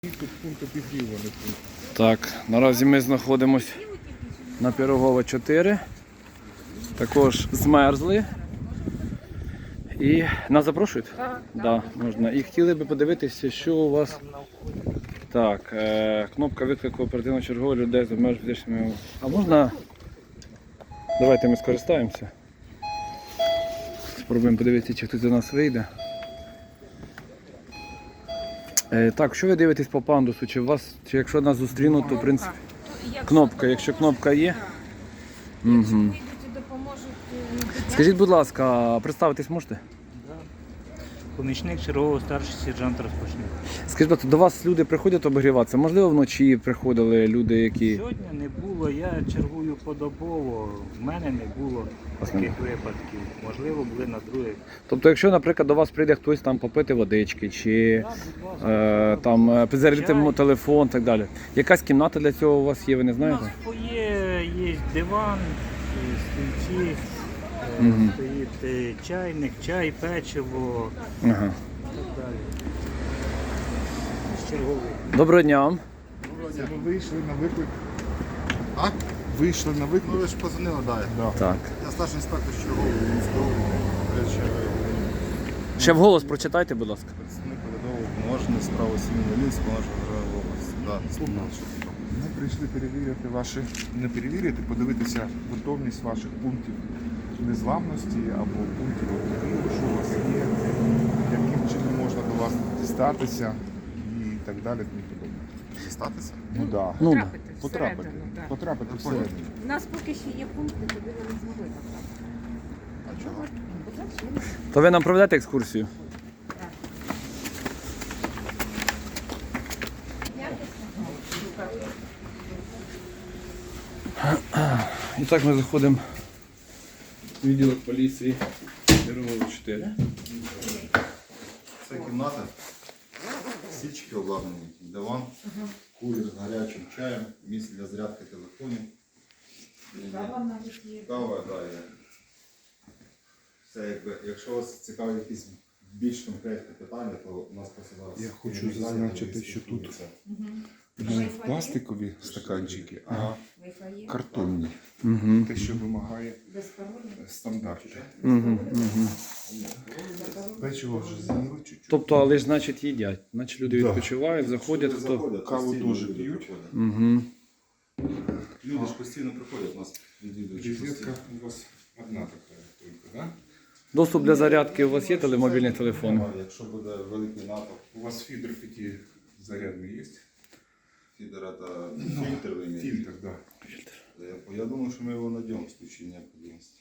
Так, наразі ми знаходимося на Пирогова 4. Також змерзли. І нас запрошують? Так, да, можна. І хотіли би подивитися, що у вас. Так, кнопка виклику оперативно-чергового людей з обмеженими фізичними. А можна? Давайте ми скористаємося. Спробуємо подивитися, чи хтось до нас вийде. Так, що ви дивитесь по пандусу? Чи якщо нас зустрінуть, то в принципі кнопка, якщо кнопка є. Угу. Скажіть, будь ласка, представитись можете? Помічник чергового старший сержант розпочне. Скажіть, будь ласка, до вас люди приходять обігріватися? Можливо, вночі приходили люди, які... Сьогодні не було, я чергую подобово, в мене не було таких випадків. Можливо, були на других. Тобто, якщо, наприклад, до вас прийде хтось там попити водички, чи там зарядити телефон і так далі. Якась кімната для цього у вас є, ви не У знаєте? нас є диван, стільці, стоїть чайник, чай, печиво і Ага. так далі. Черговий. Доброго дня. Ви вийшли на виклик. А? Вийшли на виклик. Ну ви ж позвонили, да. Так. Я старший інспектор чергового міського речі. Ще вголос прочитайте, будь ласка. Представник передового повноважений справи сім'ї Волинського нашого державної області. Да, слухаю. Ми прийшли перевірити не перевірити, подивитися готовність ваших пунктів незламності або пунктів обігріву, що у вас є, яким чином можна до вас дістатися і так далі. Тому подобне. Дістатися? Ну так. Ну, Да. Потрапити Потрапити всередину. У нас поки ще є пункти, куди ви не змогли потрапити. А чого? То ви нам проведете екскурсію? І так ми заходимо в відділок поліції Пирогова 4. Це кімната. Січки обладнані, диван, кулер з гарячим чаєм, місце для зарядки телефонів. Кава навіть є. Кава, да, є. Все, якщо вас цікавить якісь більш конкретні питання, то у нас просто зараз... Я хочу зазначити, що тут не пластикові стаканчики, а Wi-Fi є. картонні. Угу. Те, що вимагає Без паролю. стандарти. Угу. Печиво вже з'їли чуть-чуть. Тобто, але ж значить їдять. Значить люди відпочивають, заходять. Люди Хто... заходять, каву постійно дуже люди п'ють. приходять. Угу. Люди ж постійно приходять, у нас відвідуючі Розетка постійно. у вас одна така тільки, да? Доступ для зарядки у вас є мобільні телефони? Немає. Якщо буде великий натовп У вас фідер 5-зарядний є? фідера та фільтр ви маєте. Фильтр, да. Я думаю, що ми його знайдемо в случае необхідності.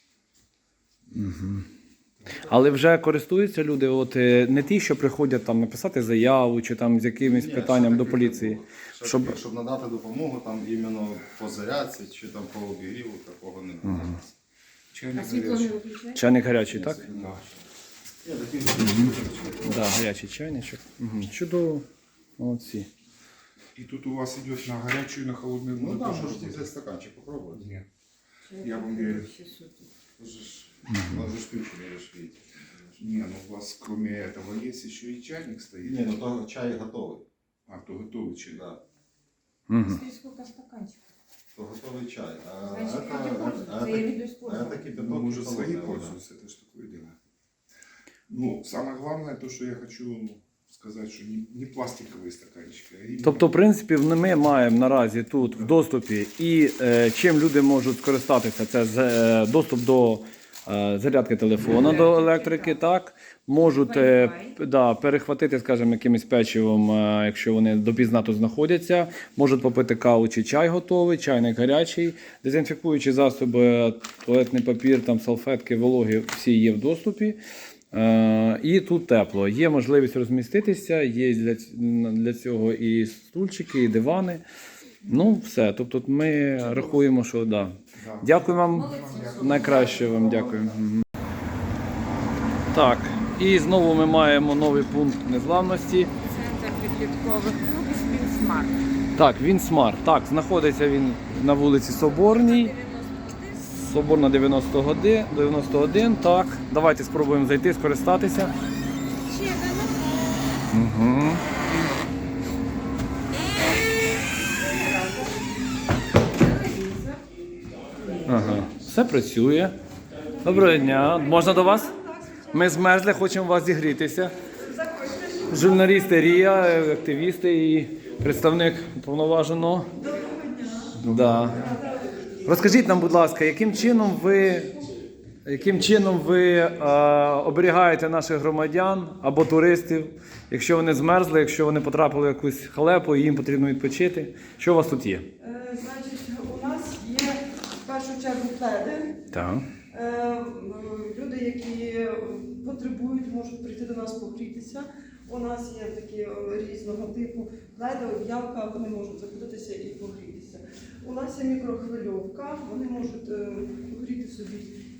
Але вже користуються люди, от не ті, що приходять там написати заяву чи там з якимось Ні, питанням ще до таких поліції. не було. Ще Щоб- таких, щоб надати допомогу там іменно по зарядці чи там по обігріву, такого немає. Чайник А світло не гарячий. виключає? Чайник гарячий, так? Да. Я такий Так, да, гарячий чайничок. Угу. Чудово. Молодці. І тут у вас йде на гарячу і на холодну Ну воду. так, теж можете робити. взяти стаканчик, попробувати. Ні. Я вам вірю. Може ж включений, ж видите. Не, ну у вас кроме этого есть еще и чайник стоит. Ні, ну то чай готовий. А, то готовый чай. Да. Угу. Скільки стаканчиків? То готовий чай. А Значить, люди пользуються, я веду использовать. такі Ну, питок может, холодний, свои да. пользуются, это ж такое дело. Ну, самое главное, то, что я хочу сказать, что не пластиковые стаканчики, а именно... Тобто, в принципі, ми маємо наразі тут в доступі і чим люди можуть скористатися, це доступ до зарядки телефона, до електрики, так, можуть перехватити, скажімо, якимось печивом, якщо вони допізна тут знаходяться, можуть попити каву чи чай готовий, чайник гарячий, дезінфікуючі засоби, туалетний папір, там, салфетки, вологі, всі є в доступі. І тут тепло. Є можливість розміститися, є для цього і стульчики, і дивани. Ну, все. Тобто ми рахуємо, що да. Дякую вам. Найкраще вам дякую. Мгм. Так, і знову ми маємо новий пункт незламності. Центр підліткових клубів «Спінсмарт». Так, він смарт. Так, знаходиться він на вулиці Соборній. Соборна 91, так. Давайте спробуємо зайти, скористатися. Ще один. Угу. Все працює. Доброго дня. Можна до вас? Ми змерзли, хочемо у вас зігрітися. Журналісти Рія, активісти і представник уповноваженого. Да. Розкажіть нам, будь ласка, яким чином ви оберігаєте наших громадян або туристів, якщо вони змерзли, якщо вони потрапили в якусь халепу і їм потрібно відпочити? Що у вас тут є? Значить, у нас є в першу чергу пледи. Так. Люди, які потребують, можуть прийти до нас погрітися. У нас є такі різного типу пледи, об'явка, вони можуть заходитися і погрітися. У нас є мікрохвильовка, вони можуть погріти собі,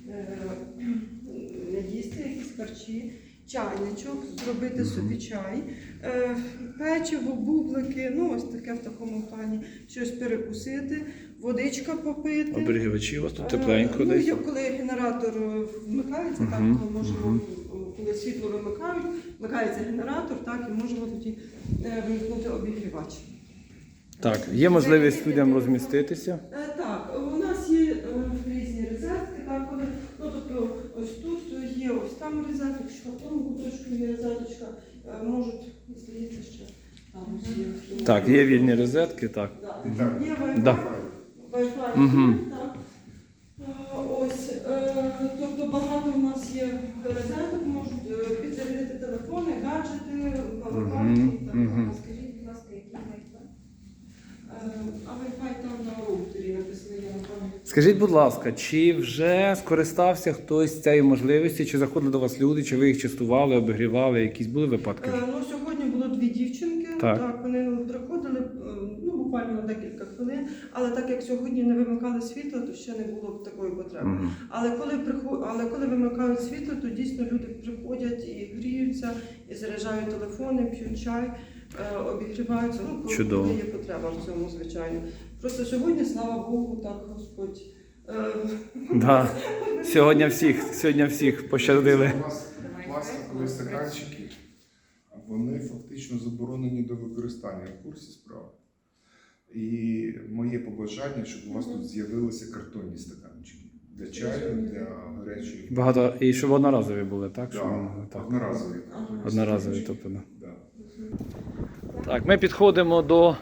їсти якісь харчі, чайничок, зробити собі чай, печиво, бублики, ну ось таке в такому плані, щось перекусити, водичка попити. Оберігачі у вас тут тепленько Ну, десь? коли генератор вмикається, так, ми можемо, коли світло вимикають, вмикається генератор, так, і можемо тоді вимкнути обігрівач. Так, є можливість людям розміститися. Так, у нас є різні розетки, так, коли, ну, тобто ось тут є, ось там розетка, якщо в тому куточку є розеточка, можуть, здається, ще там ось є. Так, є вільні розетки, так. Є Wi-Fi, Да. Wi-Fi, Мгм. так. Ось, тобто багато у нас є розеток, можуть підзарядити телефони, гаджети, павербанки і так далі. Скажіть, будь ласка, який Wi-Fi? А Wi-Fi там на роутері написано, я не пам'ятаю. Скажіть, будь ласка, чи вже скористався хтось цією можливістю, чи заходили до вас люди, чи ви їх частували, обігрівали, якісь були випадки? Ну, сьогодні було дві дівчинки, Так. вони приходили, ну, буквально на декілька хвилин, але так як сьогодні не вимикали світло, то ще не було такої потреби. Мгм. Але коли вимикають світло, то дійсно люди приходять і гріються, і заряджають телефони, п'ють чай, обігріваються. Ну, Чудово. коли є потреба в цьому, звичайно. Просто сьогодні, слава Богу, так Господь. Да. Сьогодні всіх пощадили. У вас пластикові стаканчики, вони фактично заборонені до використання в курсі справи. І моє побажання, щоб у вас тут з'явилися картонні стаканчики для чаю, для гарячої. Багато, і щоб одноразові були, так? Щоб Да, ви могли, так. одноразові. Одноразові, тобто, да. Да. Так, ми підходимо до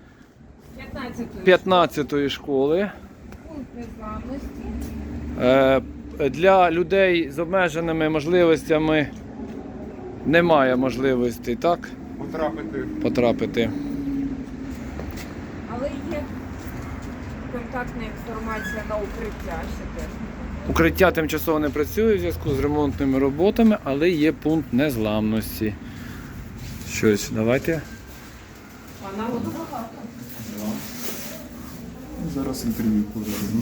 15-ї школи. Пункт незламності. Для людей з обмеженими можливостями немає можливості, так, потрапити. Але є контактна інформація на укриття ще теж. Укриття тимчасово не працює в зв'язку з ремонтними роботами, але є пункт незламності. Щось, давайте. А народу багато. Зараз інтерв'ю проведемо.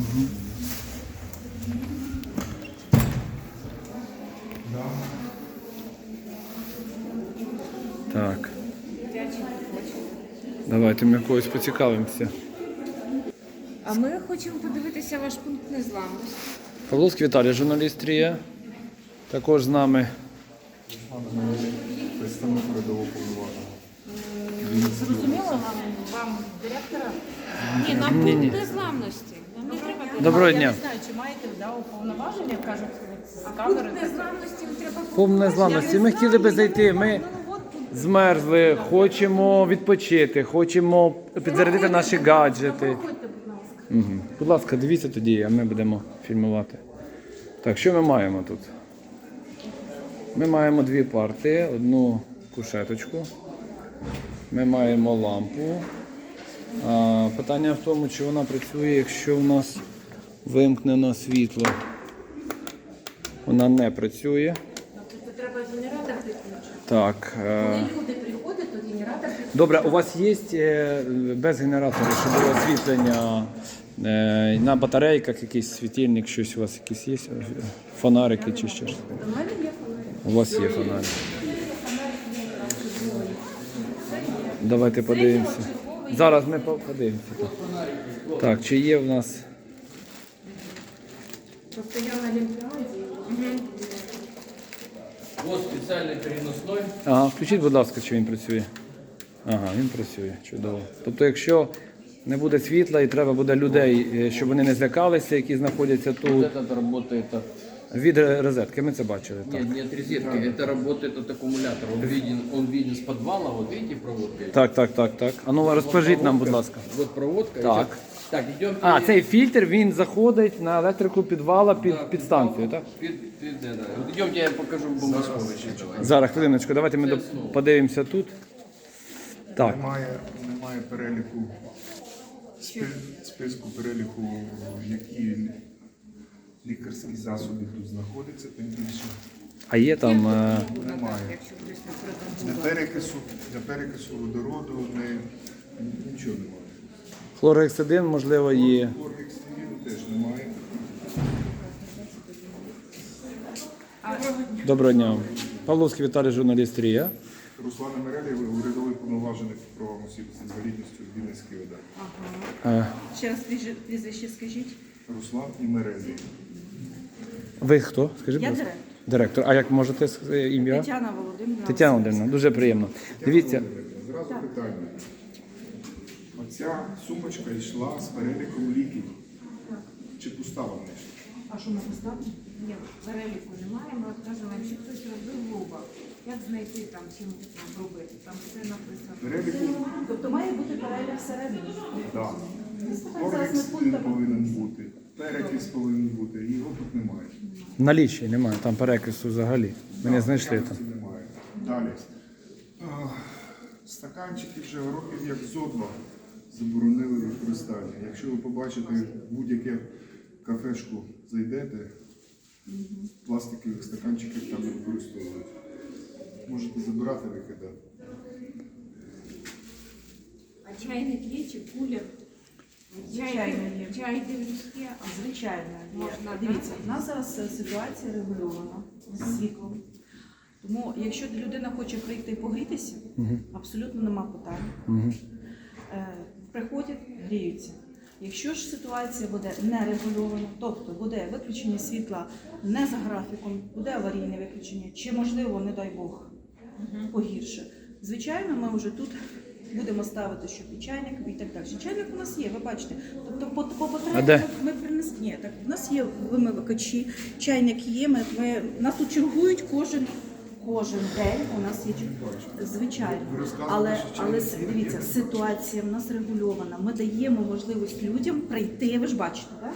Так, Дитячі відпочинок. давайте ми когось поцікавимося. А ми хочемо подивитися ваш пункт незламності. Павловський Віталій, журналіст Рія. Також з нами. Представник передового повноваження. Зрозуміло вам директора? Ні, нам пункт незламності. Нам не треба Доброго Я дня. не знаю, чи маєте уповноваження, кажуть, з пункт камери. незламності треба Пункт незламності. Ми хотіли би зайти. Ми змерзли, хочемо відпочити, хочемо підзарядити наші гаджети. Проходьте, будь ласка. Угу. Будь ласка, дивіться тоді, а ми будемо фільмувати. Так, що ми маємо тут? Ми маємо дві парти, одну кушеточку. Ми маємо лампу. Питання в тому, чи вона працює, якщо в нас вимкнено світло. Вона не працює. Це треба генератор підключити. Так. Коли люди приходять, то генератор підключити. Добре, у вас є без генератора, щоб було освітлення на батарейках, якийсь світильник, щось у вас якісь є? Фонарики чи щось? У мене є фонарик. У вас є фонарик. Давайте подивимося. Зараз ми подивимося. Так, чи є в нас. Просто я на Олімпіаді. Ось спеціальний переносний. Ага, включіть, будь ласка, чи він працює. Ага, він працює. Чудово. Тобто, якщо Не буде світла і треба буде людей, щоб вони не злякалися, які знаходяться Вот тут. это работает от... Від розетки, ми це бачили. Так, Нет, не от розетки, это работает от аккумулятора. Он виден с подвала, вот видите проводка? так. А ну розкажіть нам, будь ласка. Вот проводка. Так. Так, идем. А, цей фільтр, він заходить на електрику підвала під станцію, так? Вот идемте, я покажу бомбосховище. Зараз, хвилиночку, давайте ми подивимося тут. Так, Немає переліку, списку переліку, які лікарські засоби тут знаходяться, тим більше а є там... немає. Для перекису водороду нічого немає. Хлоргексидин, можливо, є. Хлоргексидину теж немає. Доброго дня. Павловський Віталій, журналіст РІА. Руслан Мерелєв, урядовий повноважений про осіб з інвалідністю в Вінницькій ОДА. Ще раз прізвище скажіть. Руслан і Мерелєв. Ви хто? Скажіть, Я будь ласка. директор. Директор. А як можете ім'я? Тетяна Володимирівна. Тетяна Володимирівна, дуже приємно. Дивіться, Зразу питання. Оця сумочка йшла з переліком ліків. Чи пуста вона йшла? А що ми поставимо? Ні, переліку немає. Ми от кажемо, якщо хтось робив вуба, як знайти там, чим там робити? Там все написано. Переліку, Тобто має бути перелік всередині. так. Зараз ми Хлоргексидин повинен бути, перекис повинен бути, його тут немає. наліччя немає, там перекису взагалі. Ми не знайшли там. Якості немає. Далі. Стаканчики вже років як зо два заборонили використання. Якщо ви побачите в будь-яке кафешку зайдете, пластикових стаканчиків там не використовують. Можете забирати, викидати. А чайник є чи кулер? Звичайно, є. Чай дивлюсь є, а Звичайно, Можна, дивіться, у нас зараз ситуація регульована з світлом. Тому, якщо людина хоче прийти і погрітися, абсолютно нема питань. Приходять, гріються. Якщо ж ситуація буде нерегульована, тобто буде виключення світла не за графіком, буде аварійне виключення, чи можливо, не дай Бог, погірше. Звичайно, ми вже тут будемо ставити, щоб і чайник, і так далі. Чайник у нас є, ви бачите. Тобто по А де? потребі ми принесли. Ні, так у нас є вимивачі, чайник є. Нас тут чергують кожен день. У нас є звичайно. Але дивіться, ситуація в нас регульована. Ми даємо можливість людям прийти. Ви ж бачите, так?